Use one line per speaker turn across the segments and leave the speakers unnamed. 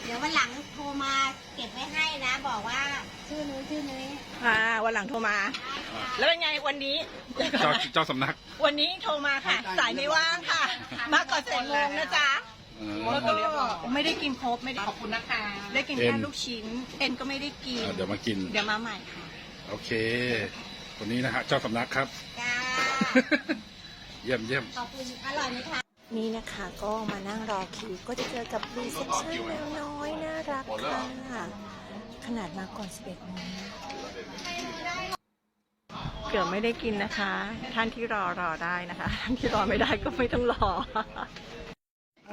ดี๋ยววันหลังโทรมาเก็บไว้ให้นะ บอกว่าชื่อนู้นชื่อนี้
วันหลังโทรมา แล้วเป็นไงวันนี้
เจ้าสำนัก
วันนี้โทรมาค่ะ สายไม่ว่างค่ะ มาก่อน11 โมงนะจ๊ะ แล้วก็ไม่ได้กินครบไม่ได้ขอบคุณนะคะ ได้กินแค่ลูกชิ้น เอ็นก็ไม่ได้กิน
เดี๋ยวมากิน
เดี๋ยวมาใหม่ค่ะ
โอเคคนนี้นะฮะเจ้าสำนักครับ
จ้า
เยี่ยมเยี่ยม
ขอบคุณอร่อยไหมคะ
นี่นะคะก็มานั่งรอคิวก็จะเจอกับรีเซพชันแมวน้อยน่ารักค่ะขนาดมาก่อน11 โมงเกือบไม่ได้กินนะคะ ท่านที่รอได้นะคะ ท่านที่รอไม่ได้ก็ไม่ต้องรอเอา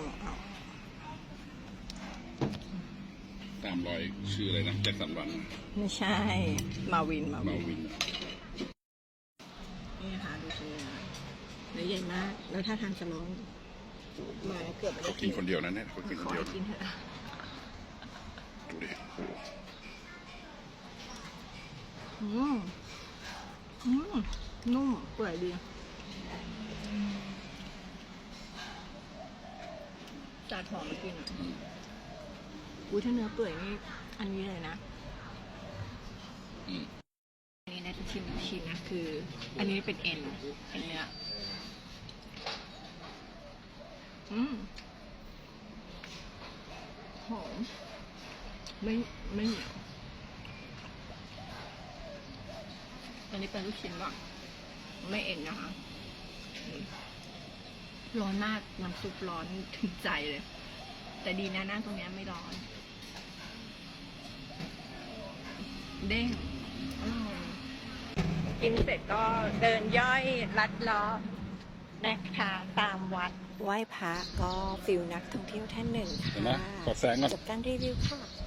ตามรอยชื่ออะไรนะแจ็คสันหวัง
ไม่ใช่มาวิน
มาวิน
นี่นะคะดูชิ้นเนื้อใหญ่มากแล้วถ้าทางจะร้องมาเกือบไม่ได้
เขากินคนเดียวนะเนี่ยเขากินคนเดียว
กินเถอะ
ดูดิ
นุ่มเปื่อยดีจัดหอมมากินอ่ะอุ้ยถ้าเนื้อเปื่อยนี่อันนี้เลยนะอันนี้นะจะชิมชิ้นนะคือ อันนี้เป็นเอ็นเนื้อหอมไม่เหนียวอันนี้เป็นลูกชิ้นก่อนไม่เอ็นนะคะร้อนมากน้ำซุปร้อนถึงใจเลยแต่ดีนะนั่งตรงนี้ไม่ร้อนเด้งกินเสร็จก็เดินย่อยลัดล้อนะคะตามวัดไหว้พระก็ฟิลนักท่องเที่ยวท่านหนึ่งค่ะ
เห็นไหมขอแสงก่อน
จบการรีวิวค่ะ